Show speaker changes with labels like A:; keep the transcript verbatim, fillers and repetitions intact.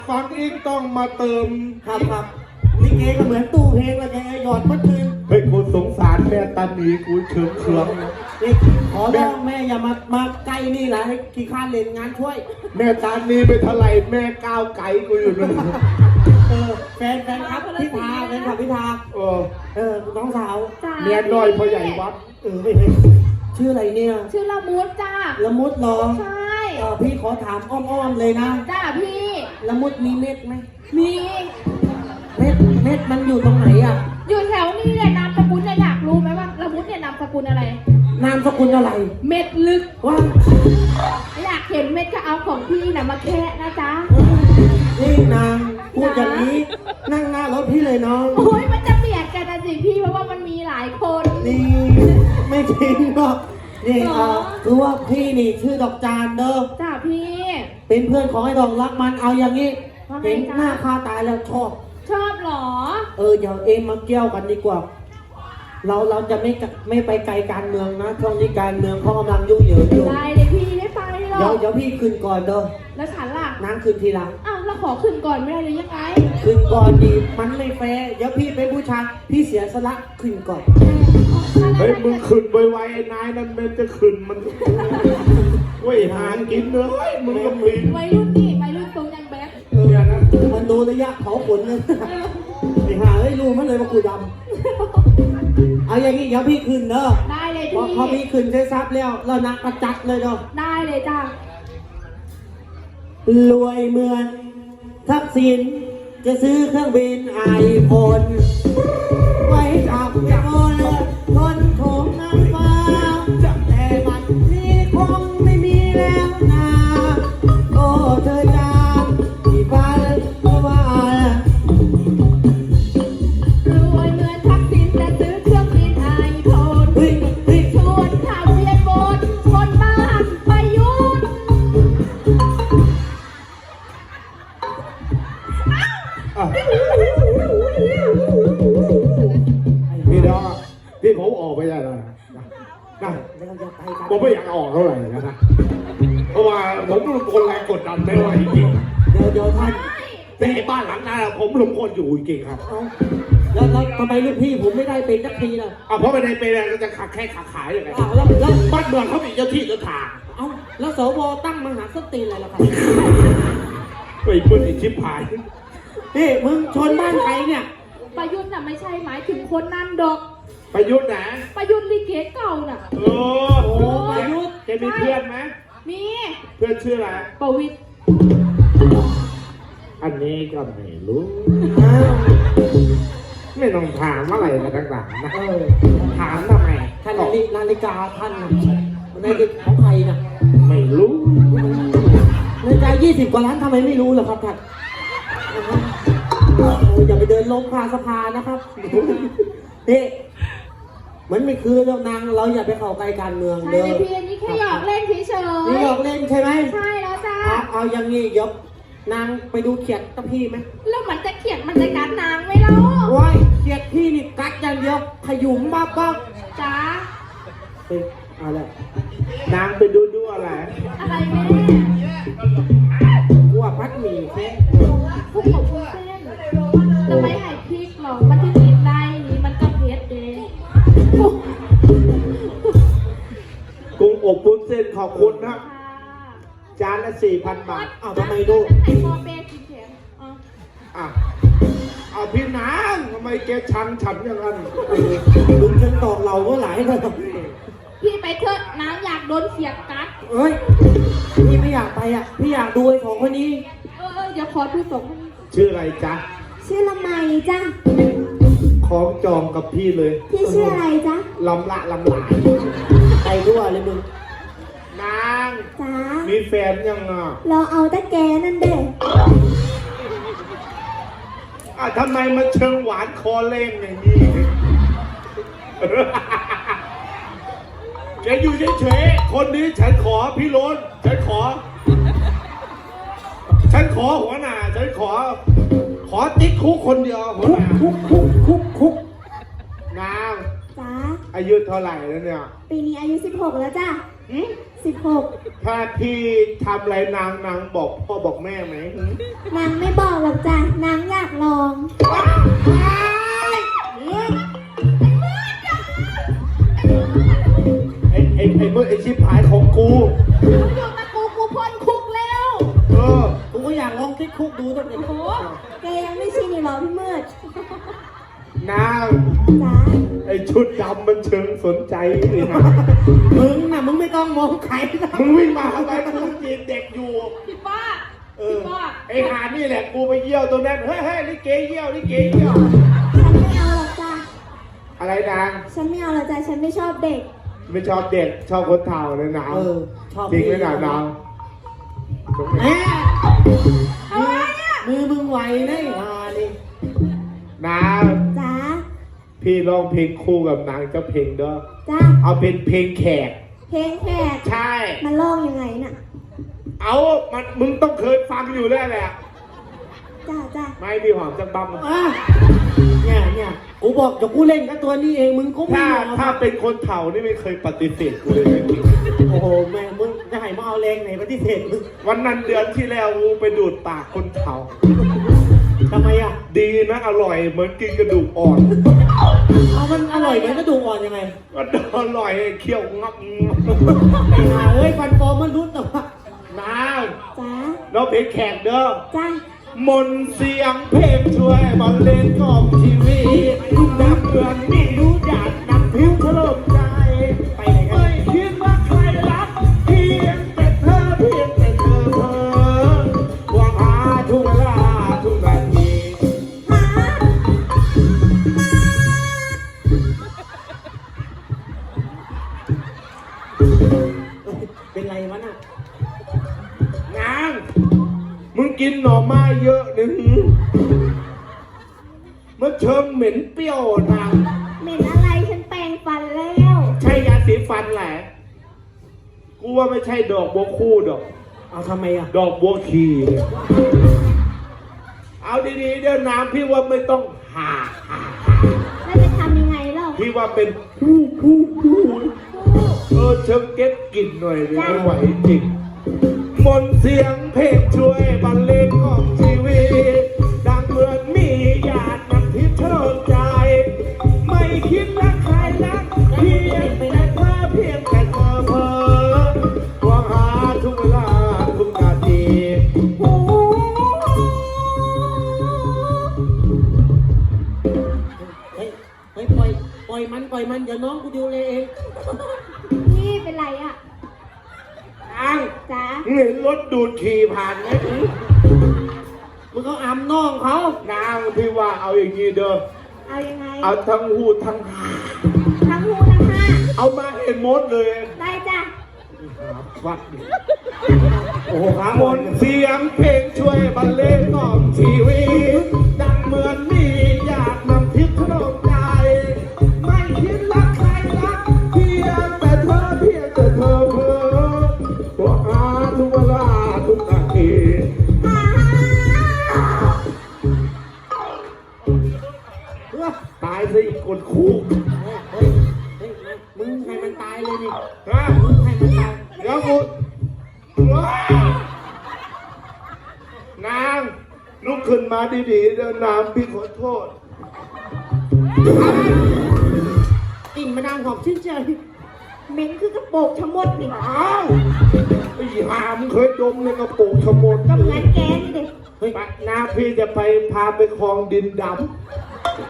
A: ฟังอีกต้องมาเติม
B: ครับครับลิเกก็เหมือนตู้เพลงแล้วแกหยอดเมื่อคืน
A: เฮ้ยกูสงสารแม่ตาหนีกูเชิงเคือง
B: นี่ขอร้องแม่อย่ามามาใกล้นี่แหละให้ขี้ข้านเล่นงานช่วย
A: แม่ตาหนีไปเท่าไหร่แม่ก้าวไก่กูอยู่นั่น
B: เออแฟนแฟนครับพิธาแฟนครับพิธา
A: เออ
B: เออน้องสาว
A: เมียน้อยพ่อใหญ่วัด
B: เออไม่เห็นชื่ออะไรเนี่ย
C: ชื่อละมุดจ้า
B: ละมุดเหรอ
C: ใช่
B: เออพี่ขอถามอ้อมๆเลยนะ
C: จ้าพี่
B: ละมุดมีเม็ดไหม
C: มี
B: เม็ดเม็ดมันอยู่ตรงไหนอ่ะ
C: อยู่แถวนี้เนี่ยนามสกุลเนี่ยอยากรู้ไหมว่าละมุดเนี่ยนามสกุลอะไร
B: นามสกุลอะไร
C: เม็ดลึก
B: ว่า
C: อยากเห็นเม็ดก็เอาของพี่น่ะมาแคะนะจ๊ะ
B: นี่นางพูดอย่างนี้นั่งหน้ารถพี่เลยน้อง
C: โอ้ยมันจะเบียดกันนะสิพี่เพราะว่ามันมีหลายคน
B: นี่ไม่จริงหรอกนี่
C: หรอ
B: เอ่อคือว่าพี่นี่ชื่อดอกจานเด้อ
C: จ้าพี่
B: เป็นเพื่อนของไอ้ดอกรักมันเอาอย่างนี้
C: ว่าไง
B: เห็น
C: จ๊ะ
B: หน้าค่าตายแล้วชอบ
C: ชอบเหรอ
B: เออเดี๋ยวเองมาเกี่ยวกันดีกว่า เราเราจะไม่กะไม่ไปไกลการเมืองนะช่วงนี้การเมืองเขากำลังยุ่งเหยิงอยู่
C: ได้เลยพี่ได้ไปหร
B: เดี๋ยว
C: อก
B: เดี๋ยวพี่ขึ้นก่อนเด้อ
C: แล้วฉันล่ะ
B: นางขึ้นทีหลัง
C: อ้าวแล้วขอขึ้นก่อนไม่ได้เลยยังไง
B: ขึ้นก่อนดีมันไม่แฟร์เดี๋ยวพี่เป็นผู้ชายพี่เสียสละขึ้นก่อน
A: เฮ้ยมึงขึ้นไวๆไอ้นายนั่นมันจะขึ้นมันเว้ยหางกินเนื้อเฮ้ยมึงก็มี
C: วัยรุ่นนี่วัยรุ่นทรงยังแบด
B: เออมันดูระยะเผาขนเลยไอ้ห่าเอ้ยรู้มันเลยว่ากูดำเอาอย่างนี้เดี๋ยวพี่ขึ้นเด้อ
C: ได้เลย
B: พอ
C: พี่
B: พอพี่ขึ้นได้ซับแล้วเรานักประจักษ์เลยเด้อ
C: ได้เลยจ้าร
B: วยเหมือนทักษิณจะซื้อเครื่องบินไอโฟนไว้จับโยนคนโถงน้ำฟ้าแต่บัดนี้คงไม่มีแล้วนะโอ้เธอจางที่บ้านก็ว่าร
C: วยเหมือนทักษิณแต่ซื้อเครื่องบินไอโฟน
B: เฮ้ยเฮ้ย
C: ชวนข่าวเรียนบนคนบ้านประยุทธ์
A: อ่ะพี่ดอกพี่ผมออกไปได้แล้วนะนะ
B: แล้วเราจะไปกัน
A: ผมไม่อยากออกเท่าไหร่นะ เพราะว่าผมเป็นคนแรงกดดันไม่ไหวจริง
B: เดี๋ยวเดี๋ยวท่าน
A: แต่ไอ้บ้านหลังนั้นผมลงคนอยู่จริงครับ
B: เอาแล้วแล้วทำไมลูกพี่ผมไม่ได้เป็นสักทีล่ะ
A: อ่ะเพราะไม่ได้เป็นอะไรก็จะขาแค่ขาขายอย่างไร
B: อ้าวแล้วแล้ว
A: บ้านเมืองเขามีเจ้าที่เจ้าทาง
B: เอาแล้วสวตั้งมหาสนตรีอะไรล่ะครับ
A: ไอ้เพื่อนไอ้ชิบหาย
B: นี่มึงชนบ้านใครเนี่ย
C: ประยุทธ์น่ะไม่ใช่หมายถึงคนนั้นดอก
A: ประยุทธ์นะ
C: ประยุทธ์ลิเกเก่าน่ะ
A: เออ
B: โอ้ประยุทธ์
A: แกมีเพื่อนไหม
C: มี
A: เพื่อนชื่ออะไร
C: ประวิตร
A: อันนี้ก็ไม่รู้
B: อ้าว
A: ไม่ต้องถามอะไรมาต่างๆนะ
B: เออ
A: ถามทำไม
B: ท่านนาฬินาฬิกาท่านน่ะนาฬิกาของใครน่ะ
A: ไม่รู้
B: นาฬิกายี่สิบกว่าล้านทำไมไม่รู้ล่ะครับท่านโอ้อย่าไปเดินลงคาสะพานนะครับนี่มันไม่คือแล้วนางเราอย่าไปเข้าใกล้การเมือง
C: ใช่
B: เด้
C: เล
B: อย
C: พี่อันนี้แค่หยอกเล่นเฉย
B: นี่หยอกเล่นใช่ไหม
C: ๆใช่แล้วจ้า
B: เอาเอาอย่างนี้ยกนางไปดูเขียดกับพี่ไหม
C: แล้วมันจะเขียนมันจะกัดนางไหมเล่า
B: ว้ายเขียดพี่นี่กัดอย่างเดียวขยุมบ้าบ้า
C: จ้า
B: เฮ้ยเอาละ
A: นางไปดูดูอะไร
C: อะไรแม่
B: กูว่าพัดหมี่แค่
C: พวกผมเส้นจะไม่ให้พริกหรอกมันจะกินได้นี่มันก็เผ็ดเอง
A: กุ้งอบวุ้นเส้นขอบคุณนะ
C: ค่ะ
A: จานละสี่พันบาท
B: เอาทำไมดู
C: ฉันให้พ่อแม่กินแทนเอา
A: อ่ะเอาพี่นางทำไมแกชังฉันอย่างนั้น
B: ลุงฉันตอกเราก็หลายเลย
C: พี่ไปเถอะนางอยากโดนเสียบกัด
B: เอ้ยพี่ไม่อยากไปอ่ะพี่อยากดูไอ้ของคนนี้
C: เออเออเดี๋ยวขอดูสองคนนี้
A: ชื่ออะไรจ๊ะ
D: ชื่อละไมจ้ะ
A: ของจองกับพี่เลย
D: พี่ชื่ออะไรจ๊ะ
A: ลำละลำหลาย
B: ไปด้วยเลยมึง
A: นาง
D: จ๋า
A: มีแฟนยังอ่ะ
D: เราเอาตะแกนั่นเด้
A: อ่ะทำไมมันเชิงหวานคอเล่งอย่างนี้ แกอยู่เฉยๆคนนี้ฉันขอพี่โรนฉันขอ ฉันขอหัวหน้าฉันขอ ขอติ๊กคุกคนเดียวหัว
B: คุ
A: ห
B: ก
A: น้า
B: คุกคุกคุกคุก
A: นาง
D: จ๋า
A: อายุเท่าไหร่แล้วเนี่ย
D: ปีนี้อายุสิบหกแล้วจ้ะ
A: หืม
D: สสิบหก
A: ถ้าพี่ทำอะไรนางนางบอกพ่อบอกแม่ไหม
D: นางไม่บอกหรอกจ้ะ นางอยากลอง
A: ไอ้ไอ้ไอ้เมื่อไอ้ชิบหายของกู
C: อยู่กับกูกูพ้นคุกแล้ว
A: เออ
B: กูก็อยากลองติดคุกดูตั้งแต่
C: โอ้
D: แกยังไม่ชินอีกเหรอพี่มืด
A: นาง
D: จ้ะ
A: ไอ้ชุดดำมันเชิงสนใจเลยนะ
B: มึงน่ะมึงไม่ต้องมองใครนะ
A: มึงวิ่งมาทำไมมึงจีนเด็กอยู่
C: พี่ป้า
A: เอ
C: พี่
A: อ
C: ป้า
A: ไอ้หานี่แหละกูไปเยี่ยวตรงนั้น เฮ้ยเฮ้ยลิเกเยี่ยวลิเกเยี่ยว
D: ฉันไม่เอาหรอกจ้ะ
A: อะไรนาง
D: ฉันไม่เอาหรอกจ้ะ ฉันไม่ชอบเด็ก
A: ไม่ชอบเด็กชอบคนเฒ่าเลยนาง
B: เออชอบ
A: จริงไหมนางนาง
B: แม่มือมือมึงไหวนะไอ้ฮานี่
A: นาง
D: จ้ะ
A: พี่ร้องเพลงคู่กับนางเจ้าเพลงเด้อ
D: จ้ะ
A: เอาเป็นเพลงแขก
D: เพลงแขก
A: ใช่
D: มันร้องยังไงน่ะ
A: เอามันมึงต้องเคยฟังอยู่แล้วแหละ
D: จ้ะจ้ะ
A: ไม่มีหอมจังบัม
B: อ่ะเนี่ยเนี่ยกูบอกจะกูเล่นกับตัวนี้เองมึงก็ไม่
A: ถ้า
B: เอา
A: ถ้าเป็นคนเฒ่านี่ไม่เคยปฏิเสธกูเลยนะ
B: โอ้โหแม่มึงจะให้มาเอาแรงไหนปฏิเสธมึง
A: วันนั้นเดือนที่แล้วกูไปดูดปากคนเฒ่า
B: ทำไมอ่ะ
A: ดีนะอร่อยเหมือนกินกระดูกอ่อน
B: เอามันอร่อยไหมกระดูกอ่อนยังไง
A: มันอร่อยเคี้ยวงับ
B: ไอ้ห่าเอ้ยฟันปลอมมันรุดแต่ว่า
A: น้า
D: จ้ะ
A: เราเพลงแขกเด้อ
D: จ้ะ
A: มนต์เสียงเพลงช่วยบรรเลงกล่อมชีวิตนับเดือนนี่รู้จักนับผิวถล่มใจ
B: ไปไหนกัน
A: ไม่คิดว่าใครรักเพียงแต่เธอเพียงแต่เธอเธอหวังหาทุกเวลาทุกนาที
B: เป็นไรวะน่ะ
A: นางมึงกินหน่อไม้เยอะหนึ่งมันเชิงเหม็นเปรี้ยวนาง
D: เหม็นอะไร ฉันแปรงฟันแล้ว
A: ใช่ยาสีฟันแหละ กูว่าไม่ใช่ดอกบัวคู่ดอก
B: เอาทำไมอ่ะ
A: ดอกบัวขีเนี่ยเอาดีๆเดี๋ยวน้ำพี่ว่าไม่ต้องหาหาหา
D: แล้วจะทำยังไงเล่า
A: พี่ว่าเป็นฮู้ฮู้ฮู้เออเชิงเก็บกลิ่นหน่อยเลยไม่ไหวจริงมนต์เสียงเพลงช่วยบรรเลงของชีวิตดังเหมือนมีหยาดน้ำทิพย์เทิดใจ ไม่คิดรักใครรักเพียงแต่เธอเพียงแต่เธอเพ้อหวังหาทุกเวลาทุกนาที
B: เฮ้ยเฮ้ยปล่อยปล่อยมันปล่อยมันเดี๋ยวน้องกูดูเลยเอง
D: นี่เป็นไรอ่ะ
A: อ้าง
D: จ้ะ
A: เห็นรถดูดขี่ผ่านไหม
B: มึงเขาอำน้องเขา
A: นางพี่ว่าเอาอย่างนี้เด้อ
D: เอายังไง
A: เอาทั้งหูทั้งหา
D: ทั้งหูทั้งห้า
A: เอามาเห็นหมดเลย
D: ได้จ้ะ
A: วัดดิ
B: โอ้โหขาม
A: ม
B: น
A: นต์เสียงเพลงช่วยบรรเลงกล่อมชีวิตดังเหมือนมีอยากนำทิพย์ถล่มใจ ไม่คิดรักใครรักเพียงแต่เธอเพียงแต่เธอเพ้อตัวหาทุกเวลาทุกนาทีตายซะอีกคนคู่
B: เฮ้ยเฮ้ยเฮ้ยมึงให้มันตายเลยนี่
A: ฮะ
B: มึงให้มันตาย
A: เดี๋ยวกูว้าว นางลุกขึ้นมาดีๆเดินน้ำพี่ขอโทษ
B: กลิ่นมาดามหอมชื่นใจ
D: เหม็นคือกระโปรงชะมดนี่
A: อ้าวไอ้หามงเคยดมในกระปุกขโมย
D: ก็เหมือนแกนี่เด็ก
A: เฮ้ยนาพี่จะไปพาไปคลองดินด